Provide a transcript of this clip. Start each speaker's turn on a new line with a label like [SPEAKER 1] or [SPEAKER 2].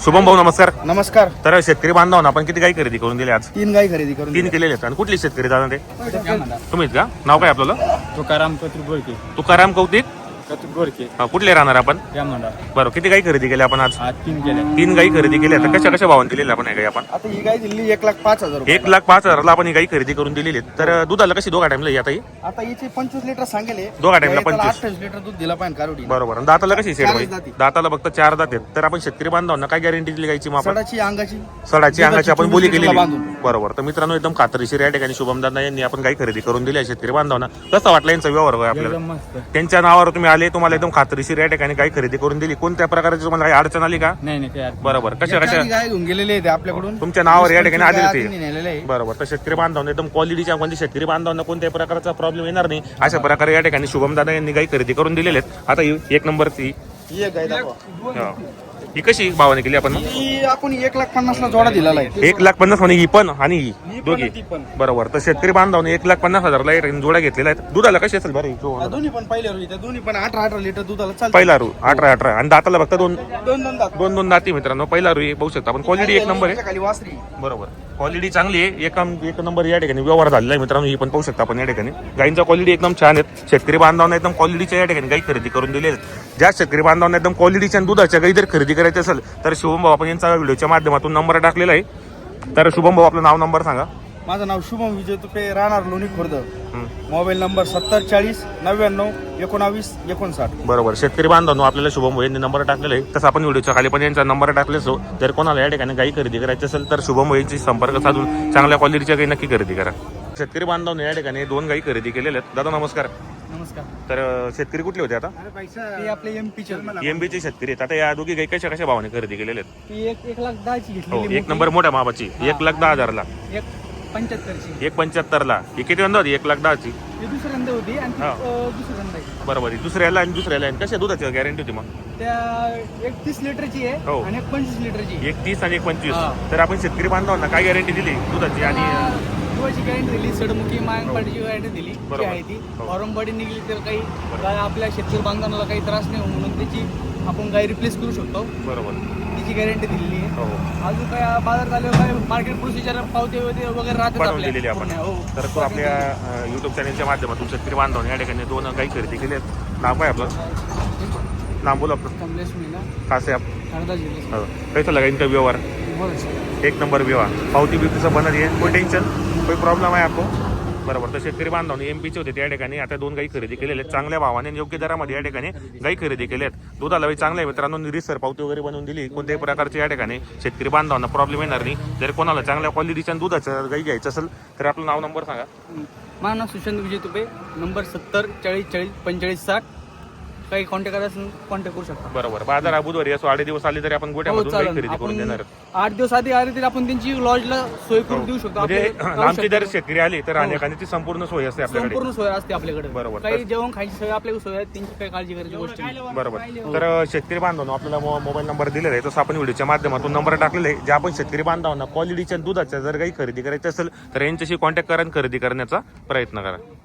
[SPEAKER 1] शुभम भाऊ नमस्कार.
[SPEAKER 2] नमस्कार.
[SPEAKER 1] तर शेतकरी बांधवांना आपण किती गाई खरेदी करून दिली आज?
[SPEAKER 2] 3 गाई खरेदी करून
[SPEAKER 1] तीन केलेले आहेत. आणि कुठली शेतकरी दादा ते तुम्हीच का? नाव काय आपल्याला?
[SPEAKER 2] तुकाराम कतुरगोरके.
[SPEAKER 1] तुकाराम कौतिक.
[SPEAKER 2] कतुरगोरके
[SPEAKER 1] हा, कुठले राहणार आपण? बरं, किती गाई खरेदी केल्या आपण आज?
[SPEAKER 2] 3 केले.
[SPEAKER 1] 3 गाई खरेदी केल्या. तर कशा कशा भावाने दिलेल्या आपण? गाई आपण
[SPEAKER 2] आता ही गाई दिली 1,05,000 रुपये.
[SPEAKER 1] 1,05,000ला आपण ही गाई खरेदी करून दिलेली आहे. तर दुधाला कशी दोघा टाइमला आता ही?
[SPEAKER 2] आता हिचे 25 लिटर सांगेले.
[SPEAKER 1] दोघा टाइमला 25.
[SPEAKER 2] 28 लिटर दूध दिला पाहिजे कारुडी.
[SPEAKER 1] बरोबर. आणि दाताला कशी सेट भाई?
[SPEAKER 2] दाती.
[SPEAKER 1] दाताला फक्त 4 दात आहेत. तर आपण शेतकरी बांधवांना काय गॅरंटी दिली गायची? मग आपण
[SPEAKER 2] सडाची अंगाची
[SPEAKER 1] सडाची अंगाची आपण बोली केलेली.
[SPEAKER 2] बांधून.
[SPEAKER 1] बरोबर. तर मित्रांनो एकदम खात्रीशीर या ठिकाणी शुभमदादा यांनी आपण गाई खरेदी करून दिली आहे शेतकरी बांधवांना. कसा वाटला यांचा व्यवहार होय आपल्याला?
[SPEAKER 2] मस्त.
[SPEAKER 1] त्यांच्या नावावर तुम्ही आले, तुम्हाला एकदम खात्रीशीर या ठिकाणी गाई खरेदी करून दिली. कोणत्या प्रकारची तुम्हाला काही अडचण आली का?
[SPEAKER 2] नाही काय
[SPEAKER 1] बरोबर. कशा कशा
[SPEAKER 2] गाय घेऊन गेलेले आहेत आपल्याकडून.
[SPEAKER 1] तुमच्या नावावर या ठिकाणी आलेली
[SPEAKER 2] गाय
[SPEAKER 1] ते?
[SPEAKER 2] नेलेले आहे.
[SPEAKER 1] बरोबर. तर शेतकरी बांधवांना एकदम क्वालिटीच्या म्हणजे शेतकरी बांधवांना कोणत्याही प्रकारचा प्रॉब्लेम येणार नाही अशा प्रकारे या ठिकाणी शुभमदादा यांनी गाई खरेदी करून दिलेले आहेत. आता ही एक नंबरची
[SPEAKER 2] ही एक गाय दाखवा.
[SPEAKER 1] ही कशी भावाने केली आपण?
[SPEAKER 2] ही आपण 1,50,000 जोडा दिलेला आहे.
[SPEAKER 1] 1,50,000 म्हणे ही पण आणि ही दोघी.
[SPEAKER 2] ती पण.
[SPEAKER 1] बरोबर. तर शेतकरी बांधवाने 1,50,000ला एक जोड्या घेतलेला आहे. दुधाला कशी असेल बरं?
[SPEAKER 2] हा, दोन्ही पण पहिल्या रोजी त्या दोन्ही पण 18 लिटर दुधाला चालतं.
[SPEAKER 1] पहिला रू 18 आणि दाताला फक्त दोन
[SPEAKER 2] दोन दात.
[SPEAKER 1] दाती मित्रांनो. पहिला रू पाहू शकता आपण. क्वालिटी एक नंबर आहे.
[SPEAKER 2] खाली वासरी.
[SPEAKER 1] बरोबर. क्वालिटी चांगली आहे. एक नंबर या ठिकाणी व्यवहार झालेला आहे मित्रांनो. ही पण पाहू शकता आपण या ठिकाणी. गाईंचा क्वालिटी एकदम छान आहे. शेतकरी बांधवांना एकदम क्वालिटीच्या या ठिकाणी गाई खरेदी करून दिलेल्या आहेत. ज्या शेतकरी बांधवांना एकदम क्वालिटीच्या दुधाच्या गाई जर खरेदी करायची असेल तर शुभम भाऊ आपण यांचा व्हिडिओच्या माध्यमातून नंबर टाकलेला आहे. तर शुभम भाऊ आपलं नाव नंबर सांगा.
[SPEAKER 2] माझं नाव शुभम विजय तुपे, राहणार लोणी खुर्द. Mobile number 70 40 99 19 59.
[SPEAKER 1] बरोबर. शेतकरी बांधवांनो आपल्याला शुभम भाऊ यांनी नंबर टाकलेला आहे. तसं आपण व्हिडिओच्या खाली पण यांचा नंबर टाकले असो. जर कोणाला या ठिकाणी गाई खरेदी करायची असेल तर शुभम भाऊ यांची संपर्क साधून चांगल्या क्वालिटीच्या गाई नक्की खरेदी करा. शेतकरी बांधवांनो या ठिकाणी 2 गाई खरेदी केलेल्या आहेत. दादा नमस्कार.
[SPEAKER 2] नमस्कार.
[SPEAKER 1] तर शेतकरी कुठले होते आता?
[SPEAKER 2] ते आपले एमपीचे.
[SPEAKER 1] एमबीचे शेतकरी आहेत. आता या दोघी गाई कशा कशा भावाने खरेदी केलेल्या आहेत?
[SPEAKER 2] ती 1,10,000 ची
[SPEAKER 1] हो,
[SPEAKER 2] घेतली.
[SPEAKER 1] एक नंबर मोठ्या मापाची 1,10,000ला.
[SPEAKER 2] 1,75,000 ची.
[SPEAKER 1] 1,75,000ला. ही किती वंदा होती? 1,10,000ची.
[SPEAKER 2] ही दुसऱ्यांदा होती आणि
[SPEAKER 1] हा.
[SPEAKER 2] दुसऱ्यांदा आहे.
[SPEAKER 1] बरोबर. ही दुसऱ्याला आणि दुसऱ्याला आणि कशा दुधाची गॅरंटी होती मग?
[SPEAKER 2] त्या 30 लिटरची आहे
[SPEAKER 1] हो.
[SPEAKER 2] आणि 25 लिटरची.
[SPEAKER 1] 30 आणि 25.
[SPEAKER 2] हा.
[SPEAKER 1] तर आपण शेतकरी बांधवांना काय गॅरंटी दिली दुधाची? आणि
[SPEAKER 2] दुधाची गॅरंटी दिली, सडमुखी मायंपाडीची गॅरंटी दिली. जी
[SPEAKER 1] बरोबर.
[SPEAKER 2] आहे ती
[SPEAKER 1] हो.
[SPEAKER 2] फॉर्म बॉडी निघली तर काही गाय आपल्या शेतकरी बांधवांना काही त्रास नाही म्हणून त्याची आपण गाय रिप्लेस करू शकतो.
[SPEAKER 1] बरोबर.
[SPEAKER 2] तिची गॅरंटी दिलेली आहे.
[SPEAKER 1] हो,
[SPEAKER 2] अजून काय बाजार झाल्यावर काय मार्केट प्रोसिजर पावते वगैरे राहतात
[SPEAKER 1] बनवून
[SPEAKER 2] आपल्या.
[SPEAKER 1] दिलेली आपण.
[SPEAKER 2] हो.
[SPEAKER 1] तर तो आपल्या युट्यूब चॅनलच्या माध्यमातून शेतकरी बांधवांनी या ठिकाणी 2 गाई खरेदी केली आहेत. नाव काय आपलं? नाम बोला आपलं.
[SPEAKER 2] कमलेश मीना,
[SPEAKER 1] खासे आप
[SPEAKER 2] हरदा जिल्हा.
[SPEAKER 1] कैसा लगा इनका व्यवहार? एक नंबर व्यवहार. पावती बिवतीचं बनत आहे. कोई टेन्शन कोई प्रॉब्लेम आहे आपको? बरोबर. तर शेतकरी बांधवांनी एमपीचे होते त्या ठिकाणी आता 2 गाई खरेदी केलेले आहेत. चांगल्या भावाने आणि योग्य दरामध्ये या ठिकाणी गाई खरेदी केल्या आहेत. दुधाला चांगल्या आहे मित्रांनो. निरीसर पावती वगैरे बनवून दिली. कोणत्याही प्रकारचे या ठिकाणी शेतकरी बांधवांना प्रॉब्लेम येणार नाही. जर कोणाला चांगल्या क्वालिटीच्या दुधाचं गाई घ्यायचं असेल तर आपलं नाव नंबर सांगा.
[SPEAKER 2] माझं नाव सुशांत विजय तुपे, नंबर 70 40 40 45 60. काही कॉन्टॅक्ट करायचं कॉन्टॅक्ट करू शकता.
[SPEAKER 1] बरोबर. बाजार बुधवारी असो 8 दिवस आले तरी आपण गोट्यामधून गाई खरेदी करून देणार.
[SPEAKER 2] 8 दिवस आधी आले तरी आपण त्यांची लॉजला सोय करून देऊ शकतो.
[SPEAKER 1] म्हणजे
[SPEAKER 2] आपल्याला
[SPEAKER 1] आमची जर शेतकरी आली तर राहण्याची संपूर्ण सोय असते आपल्याकडे.
[SPEAKER 2] संपूर्ण सोय असते आपल्याकडे.
[SPEAKER 1] बरोबर.
[SPEAKER 2] काही जेवण खायची सोय आपल्याकडे सोय आहे, त्यांची काही काळजी करायची गोष्ट नाही.
[SPEAKER 1] बरोबर. तर शेतकरी बांधवांनो आपल्याला मोबाईल नंबर दिलेला आहे तसं आपण व्हिडिओच्या माध्यमातून नंबर टाकलेला आहे. जे आपण शेतकरी बांधवांना क्वालिटीच्या दुधाच्या जर काही खरेदी करायची असेल तर यांच्याशी कॉन्टॅक्ट करा आणि खरेदी करण्याचा प्रयत्न करा.